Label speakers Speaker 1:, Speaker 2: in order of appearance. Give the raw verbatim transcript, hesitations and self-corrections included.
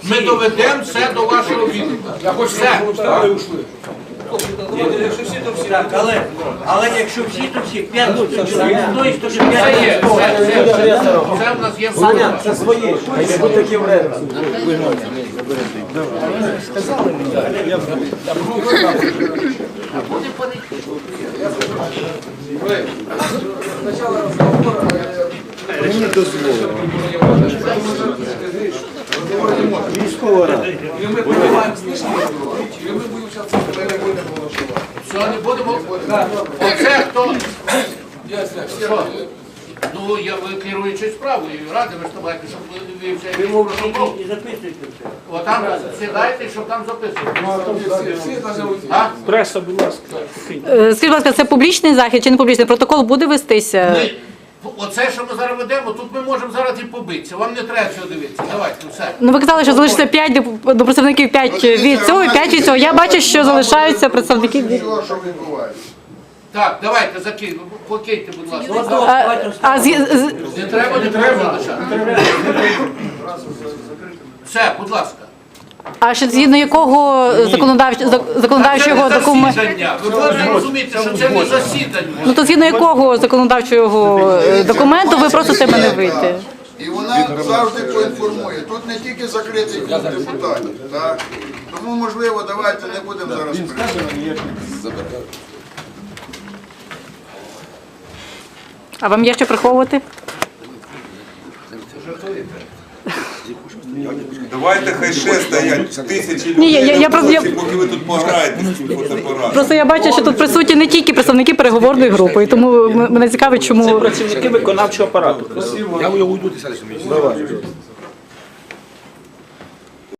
Speaker 1: Ми доведемо все до вашого відома. Все.
Speaker 2: Так, але, але якщо всі, то всі, п'ять, то вже
Speaker 1: Це є,
Speaker 2: п'ять.
Speaker 1: це, це, це, це в нас є форма.
Speaker 3: Це свої. А не такі вредні.
Speaker 4: Мені дозволено. Військова рада.
Speaker 1: Все, не будемо. Оце хто? Що? Ну, я ви керуючи справою, ради ви ж давайте, щоб ви ви все протокол.
Speaker 2: І записуйте все.
Speaker 1: Отам сідайте, щоб там записувати. А?
Speaker 5: Преса, будь ласка.
Speaker 6: Е, Скажіть, будь ласка, це публічний захід чи не публічний? Протокол буде вестися?
Speaker 1: Ми, оце, що ми зараз ведемо, тут ми можемо зараз і побитися. Вам не треба цього дивитися. Давайте, все.
Speaker 6: Ну, ви казали, що залишиться п'ять до представників, п'ять від цього і п'ять від цього. Я бачу, що залишаються представники від...
Speaker 7: Що відбувається?
Speaker 1: Так, давайте, закиньте, покиньте, будь ласка.
Speaker 6: А, а з, з,
Speaker 1: Не треба, не треба залишати. Все, будь ласка.
Speaker 6: а ще згідно якого законодавчого, законодавчого
Speaker 1: Це не
Speaker 6: документу?
Speaker 1: засідання. Ви повинні розуміти, що це не засідання.
Speaker 6: Ну, то згідно якого законодавчого е, документу ви просите мене вийти?
Speaker 7: І вона завжди поінформує. Тут не тільки закритий клуб депутатів. Так? Тому, можливо, давайте не будемо зараз прийти.
Speaker 6: А вам є що приховувати?
Speaker 8: Давайте хай ще стоять тисячі
Speaker 6: Ні, я-
Speaker 8: людей
Speaker 6: я- я
Speaker 8: на
Speaker 6: просто- я-
Speaker 8: вулиці, поки ви тут пограєте з цим фотоапаратом.
Speaker 6: Просто я бачу, що тут присутні не тільки представники переговорної групи, і тому м- мене цікавить, чому...
Speaker 5: Працівники виконавчого апарату.
Speaker 4: Давай.